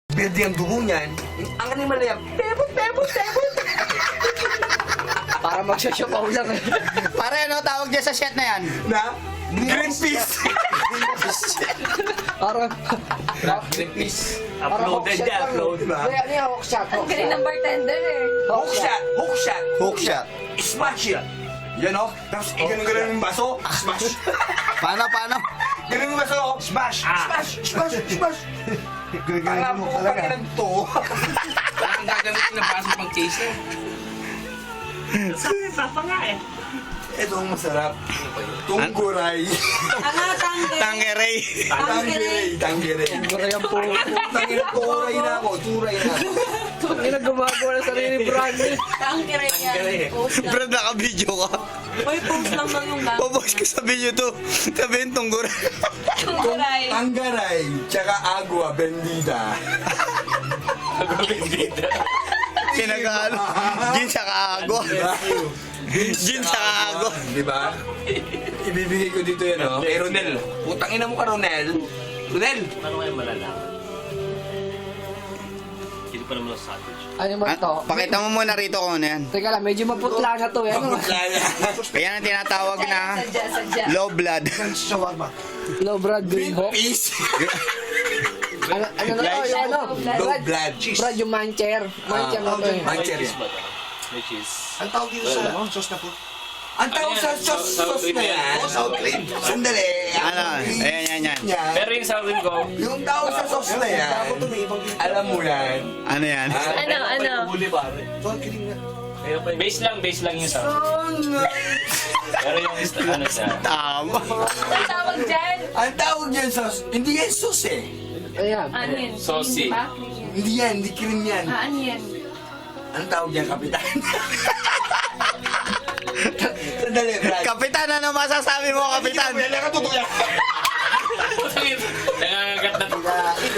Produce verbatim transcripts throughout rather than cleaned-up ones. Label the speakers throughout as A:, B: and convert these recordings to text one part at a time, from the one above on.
A: Berde ang dugo niyan. Ang animal na yan, pebot, pebot, pebot.
B: Para magsasyapaw lang eh.
C: Pare, ano tawag dyan sa shit na yan?
A: Na? Greenpeace.
B: Parang...
D: Greenpeace.
B: Parang
D: Uploaded
B: hookshot
D: niya,
B: lang.
D: upload.
A: Diba?
B: Kaya ano yung hookshot?
E: Ang galing ng bartender eh.
A: Hook shot, hook shot.
C: Hook shot.
A: Smash it. Yan o. Tapos iganong-ganon yung baso. Smash.
C: Paano, paano?
A: Ganun yung baso. Smash. Smash. Smash. Smash. Alam mo ko pag nagto.
D: Parang gagamitin na baso pang chaser. Sabi, papa nga eh.
A: Ito ang masarap. Tungguray.
E: Ano, tangge?
C: Tangeray.
A: Tanggiray. Tanggiray.
B: Turay ang po.
A: Tangin, turay na ako. Turay na ako.
B: Hindi na gumagawa ng sarili brand eh.
E: Tangge rin yan. Post lang.
C: Brad, naka-video ka.
E: Uy, post lang lang yung bago.
C: Papost ka sa video to. Sabihin tunggur.
E: Tungguray.
A: Tanggaray. Tsaka agua bendita.
C: Kinagano. Gin sa kaago. Gin sa kaago.
A: Di ba? Ibibigay ko dito yan, oh. Kay Ronel. Putang ina mo ka, Ronel. Ronel!
D: Paano kayo malalaman? Hindi pa naman sa sausage.
B: Ano ba
C: Ah,
B: to?
C: pakita mo muna rito kung ano yan.
B: Teka lang, medyo maputla na to eh. Ano?
A: Pagkutla yan.
C: Kaya na tinatawag na
E: Sadya, sadya.
C: low blood.
B: Low Brad Green Hawk.
A: Peace.
B: Ano, ano na to? Yung ano?
A: Low
B: Brad,
A: blood. Cheese.
B: Brad, yung mancher. Mancher na to eh.
A: Mancher yan.
D: May cheese.
F: Ang tawag dito sa ano? Sauce na po.
A: Ang tawag sa sauce sauce na yan.
F: Oh, sour cream.
A: Sandali.
C: Ano? Ayan, yan, yan.
A: Yan.
D: Pero yung sour cream ko,
A: Yung tawag sa sauce na yan, alam mo yan.
C: Ano yan?
E: Ano, ano?
D: huli pare.
F: Sour cream nga.
D: Base lang, base lang yung sour. Pero yung ano siya.
C: Tama.
E: Ang tawag dyan?
A: Ang tawag yan sauce, hindi yan sauce eh.
B: Ayan.
E: Ano yan?
D: Saucy.
E: Cream, di ba?
A: Hindi yan, hindi cream yan.
E: Ah, ano yan?
A: Ang tawag yan, kapitan. Sandali, Brad.
C: Kapitan, ano masasabi mo, Kapitan?
A: Yan ang totoo yan.
D: Nangangagat na to.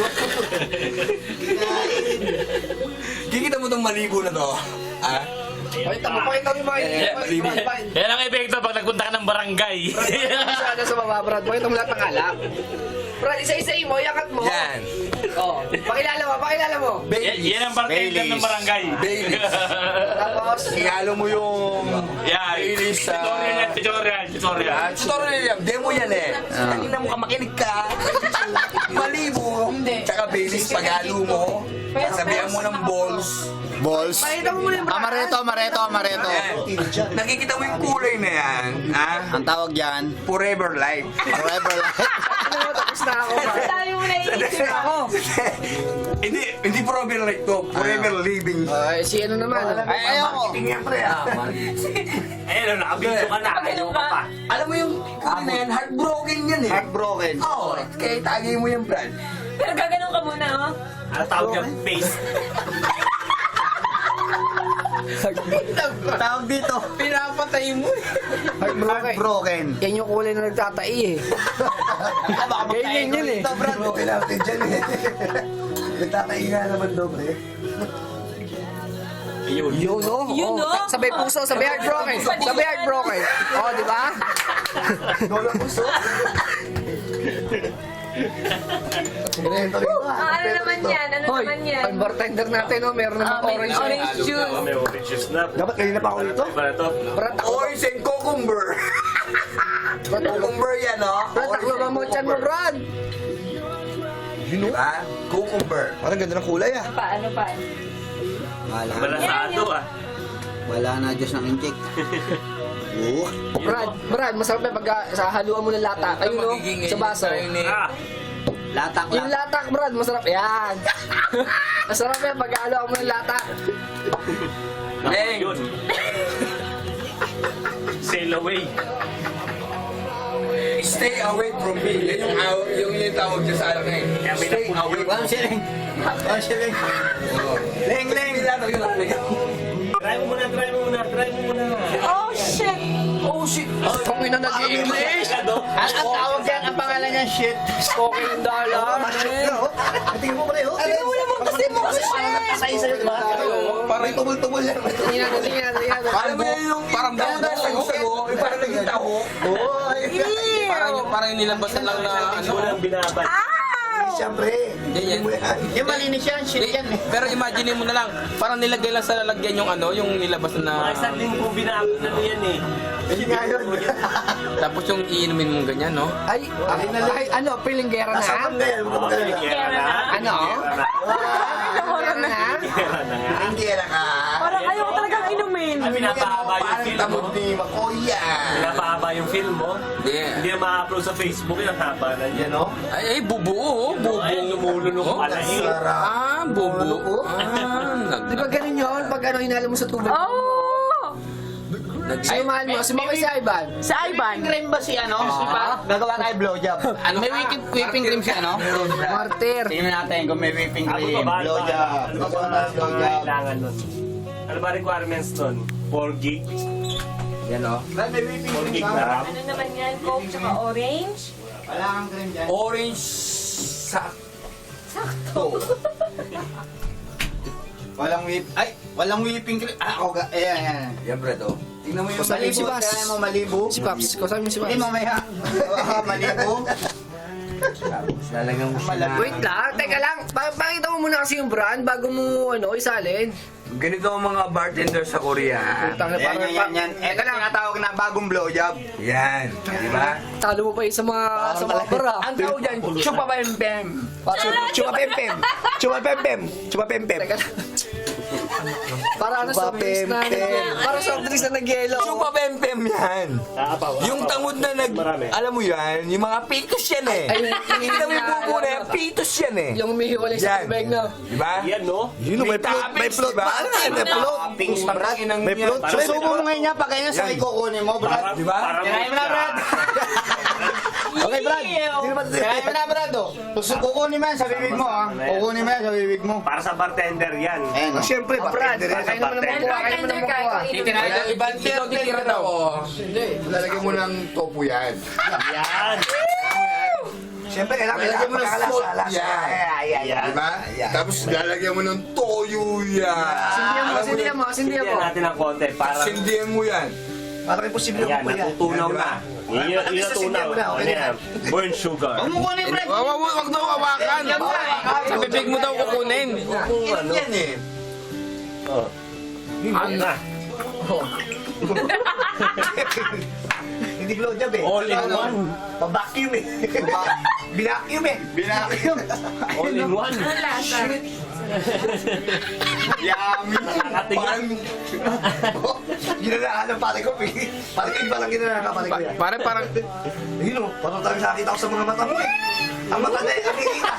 A: Kikita mo tong maligo na to. Ah?
B: Pakita mo, pakita mo yung mga
A: Eh,
B: hindi. Brad, Brad.
D: Yan ang epekto pag nagpunta ka ng barangay.
B: Sana sa baba, Brad. Pakita mo lahat ng alak. Brad, isa-isayin mo, yakat mo.
A: Yan.
B: Oh, pakilala mo, pakilala mo.
D: Yan,
A: Baileys.
D: yan ang bartender ng barangay.
A: Baileys.
B: Tapos,
A: Ihalo mo yung
D: Yan.
A: Baileys sa...
D: Tutorial yan, tutorial, tutorial.
A: Ah, tutorial yan. Demo yan eh. Tingnan mo ka, makinig ka. Malibo.
E: Hindi.
A: Tsaka Baileys, paghalo mo. Sabihan mo ng balls.
C: Balls.
B: pakita mo muna yung Brad.
C: Amareto, amareto, amareto.
A: Ayan. Nakikita mo yung kulay na yan. Ha?
C: Ang tawag dyan,
A: Forever life.
C: forever life.
B: Ano, tapos na ako. Brad.
E: Sabi mo na iisip ako.
A: hindi, hindi forever life to. Forever living.
B: Ay, si ano naman.
C: Ay, ayoko.
A: Tingnan pre ah.
D: Ayun, nakabidyo ka na. Ayaw ka pa.
A: Alam mo yung kulay na yan, heartbroken yan eh.
C: Heartbroken.
A: Oo, kaya tagay mo yan, Brad.
E: Pero gaganon ka muna, oh.
D: Ang tawag niya, face.
C: Tawag dito,
B: Pinapatay mo eh. Heartbroken.
C: heartbroken.
B: Yan yung kulay na nagtatai eh. Ganyan yun eh.
F: Okay natin dyan eh. Nagtatainga naman daw, pre.
D: Ayun.
B: Yun o.
E: Yun,
B: oh.
E: oh.
B: Sabay puso, sabay heartbroken. Sabay heartbroken. Oh, di ba?
F: Dola puso.
E: Ah, ano naman yan? Ano
B: Hoy,
E: naman yan?
B: ang bartender natin oh, meron
E: Ah,
B: naman
E: may
B: orange.
E: orange juice.
D: May orange juice na.
F: Dapat kanina pa ako dito.
D: Para to.
B: Brad, taklo.
A: Orange and cucumber.
B: Brad, taklo.
A: Cucumber yan, no?
B: Brad, taklo ba mo chan mo, Brad?
A: Diba? Cucumber.
F: Parang ganda ng kulay ah.
E: Ano pa? Ano pa?
C: Wala,
D: Malasado ah.
C: wala na Diyos ng inject. Oo.
B: Brad, Brad, masarap yan pag ah, sa haluan mo ng lata. Ayun no, sa baso.
D: Ah,
C: Latak
B: Yung latak, Brad, masarap yan. Masarap yan pag haluan mo ng lata.
A: Leng.
D: yun. Sail away.
A: Stay away from me. Yan yung, aw- yung, yung tawag niya sa akin.
D: Kaya may
A: Stay
D: napunta.
A: away.
C: One shilling. One shilling.
A: Leng, leng. Tawag yung akin.
D: Try mo muna, try mo muna, try mo muna.
E: Oh, shit!
A: Oh, shit.
B: Kung ina nag-i-English.
C: Ang, ang tawag dyan, ang pangalan niya, shit.
B: Spoken dollar.
F: Tingnan mo pare, oh.
E: Ano mo naman kasi mo kasi
F: Sa isa yun, ba? Parang tumul-tumul yan.
B: Tingnan natin, tingnan natin, tingnan natin.
A: Alam mo yan yung parang banda sa gusto. Parang naging taho.
F: Oo, ay.
A: Parang, parang nilabasan lang na ano.
D: Walang binabad.
E: Ow!
F: siyempre.
A: Yan, yan.
F: Hindi mo yan.
C: Yung malinis yan, shit yan eh.
A: Pero imagine mo na lang, parang nilagay lang sa lalagyan yung ano, yung nilabas na...
G: Mga isang linggo binago na ano yan eh.
F: Hindi nga yun.
A: Tapos yung iinumin mong ganyan, no?
B: Ay, ay, ay, ano, pilinggera na?
F: Nasaan ka yan? Huwag ka mag-alala.
G: Kera na.
B: Ano? Pilinggera na?
G: Kera na nga.
F: Hindi yan ka.
E: Parang ayaw ko talagang inumin.
G: Ay, pinapahaba yung
F: Parang
G: film mo.
F: tamod ni Makoya.
G: Pinapahaba yung film mo.
A: Hindi.
G: Hindi na ma-upload sa Facebook yung haba na yan, no?
A: Ay, ay, bubuo, oh. Bubuo.
G: Ay, lumulunok
A: Oh.
G: pala eh.
F: Sarap.
A: Ah, bubuo. Ah, nag...
B: Di ba ganun yun? Pag ano, hinalo mo sa tubig.
E: Oh!
B: Siyumahan mo, sumakay si Ivan.
E: Sa Ivan.
C: Cream ba si ano? Si pa? Gagawa tayo blowjob. Ano? May whipping, whipping cream siya, no?
B: Martir.
C: Tingnan natin kung may whipping
G: Ako
C: cream.
G: ba ba?
C: Blowjob.
G: Ano ba ba ang kailangan nun? Ano ba requirements nun? four gig?
A: Yan, oh.
G: four gig na RAM?
E: Ano naman yan? Coke tsaka orange?
C: Wala kang cream dyan.
A: Orange sa...
C: Walang whip. Ay, walang whipping cream. Ah, ako ga. Ayan, ayan.
A: Yan, Brad, oh. Tingnan mo yung...
B: Sabi mo si
C: Malibo.
B: Bas.
C: Kaya mo malibo.
B: Si Paps. Kasabi mo si
C: Hindi,
B: Paps.
C: mamaya. Ah, malibo.
A: Lalagyan mo siya na...
B: Wait lang, teka lang. Pa pakita mo muna kasi yung brand bago mo ano isalin.
A: Ganito ang mga bartender sa Korea.
B: Tang
C: Ayan,
B: parang
C: yan, yan, yan. Ito na tinatawag na bagong blowjob.
A: Yan. Di ba?
B: talo mo pa yun sa mga sa mga bara.
A: Ang tawag dyan, chupa pem pem.
F: Chupa pempem. Chupa pempem. Chupa pempem.
B: Teka lang. Para ano sa drinks na para sa drinks na nagyelo.
A: Chupa pem pem yan.
G: Kaapaw.
A: Yung tangod na nag...
G: Marami.
A: Alam mo yan, yung mga pitos yan eh.
B: Ay, yung-
A: Kita mo yung bubo na yan, pitos yan eh.
B: Yung umihiwalay sa
A: Yan.
B: tubig na.
A: Di ba?
G: Yan, no?
F: Yun, may float. May float ba? Ano yan? May float.
A: Toppings, Brad.
F: May float.
C: Susubo mo ngayon niya, pag ganyan sa
A: Yan.
C: kukunin mo, Brad.
G: Para-
A: Di ba?
G: para
C: Tirahin mo na, Brad.
F: Okay, Brad. Hindi naman
C: Tirahin mo na, Brad, oh. Susu- Kukunin mo yan sa bibig mo, ha. Kukunin mo yan sa bibig mo.
G: Para sa bartender yan.
C: Ayan, oh.
F: Siyempre,
B: Brad,
F: bartender yan.
B: kain naman ng
E: Well,
B: makuha, kain naman ng
E: bartender ka,
B: makuha.
E: ikaw
C: Titirahin
E: inumin.
C: mo. Ibang
A: Ikaw titira daw. oh.
F: Lalagyan mo ng tofu yan.
G: Yan.
F: Siyempre, kailangan
A: Lalagyan mo ng
F: pagkakalasa.
A: salt
F: Lasa.
A: yan.
F: Ayan,
G: Yan.
F: Diba? Tapos lalagyan mo ng toyo yan.
B: Sindihan mo, sindihan mo, sindihan mo.
G: Sindihan natin ng konti. Para
A: Sindihan mo yan.
F: Parang imposible
G: yan,
F: mo po yan.
G: natutunaw na. Yun yung
F: At least
G: natutunaw.
F: nasindihan mo na, okay
G: Ano
F: na.
G: yan? Burn sugar.
C: Huwag mo kunin, Brad.
A: Wag, wag, wag daw hawakan. Sa bibig mo daw kukunin.
G: Ano?
A: Yan eh.
G: Oh. Ano na?
F: Hindi blowjob eh.
G: All in
F: Ano?
G: one.
F: Pa-vacuum eh. Binacuum eh. Binacuum.
G: All in one.
E: Ano lasa?
F: Yummy.
G: Nakakatingin.
F: Ginanaan ng pare ko. eh. Pare ko, iba lang ginanaan ka pare ko yan.
A: Pare, parang...
F: Yun o, parang talagang nakakita ko sa mga mata mo eh. Ang mata na eh, nakikita.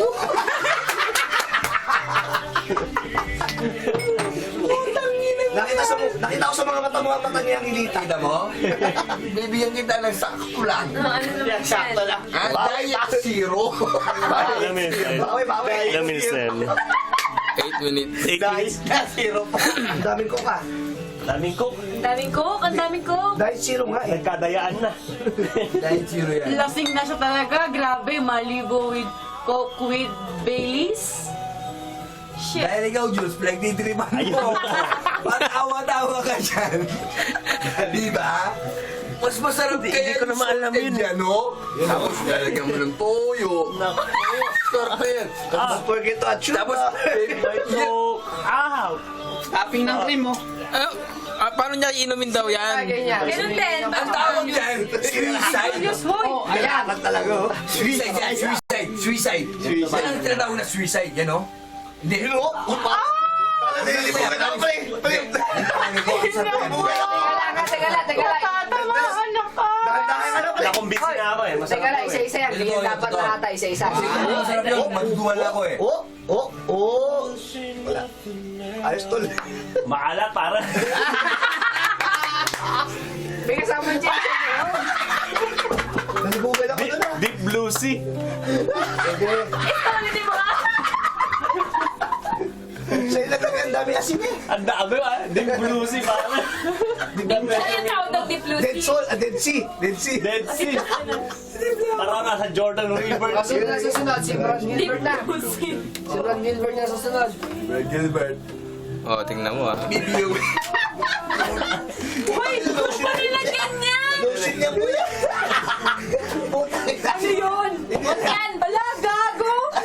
F: Nakita sa nakita ko sa mga mata mo ang mata niya ang hilita.
A: Kita mo? Bibigyan kita ng sakto lang.
E: Ano ano naman yan?
C: Sakto lang.
A: Ah, diet zero.
G: Ilang minutes na yun?
F: Bawi, bawi.
G: Ilang minutes na yun?
A: Eight minutes.
G: Eight minutes?
F: Diet zero pa. Ang daming ko ka.
G: Daming cook.
E: Ang daming coke, ang daming coke.
F: Diet zero nga eh.
G: Nagkadayaan na.
A: Diet zero yan.
H: Lasing na siya talaga. Grabe, maligo with Coke with Baileys. Shit.
A: Dahil ikaw, Jules, pinagtitripan mo. Parang awa-tawa ka dyan. Di ba? Mas masarap kaya
G: ko naman alam yun.
A: Yan, no? Tapos lalagyan mo ng toyo. Sarap na yan.
F: Don't forget to add sugar.
A: Tapos,
G: So, ah!
C: Tapping ng cream, oh.
A: ah, ah, paano niya inumin daw yan?
B: Ganyan.
E: Ganun din.
A: Ang tawag dyan, suicide.
F: Oh, ayan. Talaga oh.
A: Suicide yan, suicide, suicide. Yan ang tinatawag na suicide, yan, no? Hindi.
F: Hello? Upa? Hindi mo yan ako pre.
B: Teka lang, teka lang, teka lang.
H: Tatamaan na ka.
F: Dahan-dahan ano pre.
G: Nakumbisi na ako eh. Masarap
B: Teka lang,
G: to eh.
B: isa-isa yan. Hindi
A: Ito,
B: dapat
A: ito.
B: lahat ay isa-isa.
A: Masarap yun, magduduwala ko eh.
F: Oh, oh, oh. Wala. Ayos tol.
G: Maalat para.
B: May kasama yung chicken yun.
F: Naligugan ako doon ah.
G: Deep blue sea.
E: Ito, ulitin mo ka.
F: Sa ilan lang ang dami asin eh.
G: Ang dami ah. Deep blue sea para.
E: Saan yung tawag ng Deep Blue
F: Dead
E: Sea?
F: Soul, ah, Dead Sea, Dead Sea.
G: Dead sea. Parang nasa Jordan River.
B: Kasunod na susunod, si Brad Gilbert na.
E: Blue Sea.
B: Si Brad Gilbert na susunod.
A: Brad Gilbert. Oh, tingnan mo ah. Bibigyan mo.
E: Uy, ba't pa nilagyan yan?
F: Lotion niya po yan.
E: Ano yun? Huwag yan, bala, gago.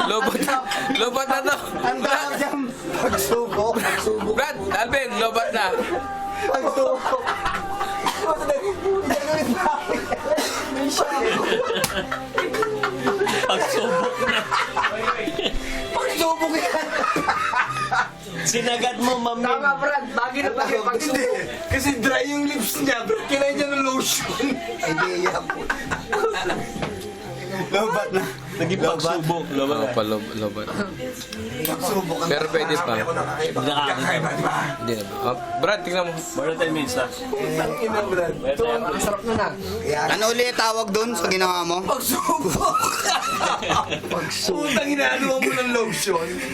I: Lobot na. Lobot na to.
C: Ang tawag dyan.
F: Pagsubok. Pagsubok.
I: Brad, Alvin, lobot na.
F: Pagsubok.
D: Pagsubok na.
F: Pagsubok yan.
G: Sinagad mo, mami.
B: Tama, Brad. Bagay na bagay pag
F: Hindi. Kasi dry yung lips niya. Pero kinain niya ng lotion. Idea po.
C: Lobat na.
D: Naging pagsubok. Lobat
I: Oo
D: na.
I: pa, lob- lobot.
F: Pagsubok. ang-
I: Pero pwede pa.
F: Ako nakakaiba.
D: Nakakaiba.
F: Kakaiba, di ba?
I: Hindi na. Oh, Brad, tingnan mo.
D: More than ten minutes na.
F: Ang ina, Brad.
B: ito, ang sarap nun ah.
F: Kaya,
C: Ano ulit tawag doon sa ginawa mo?
F: pagsubok. Pagsubok. Putang inaano mo ng lotion.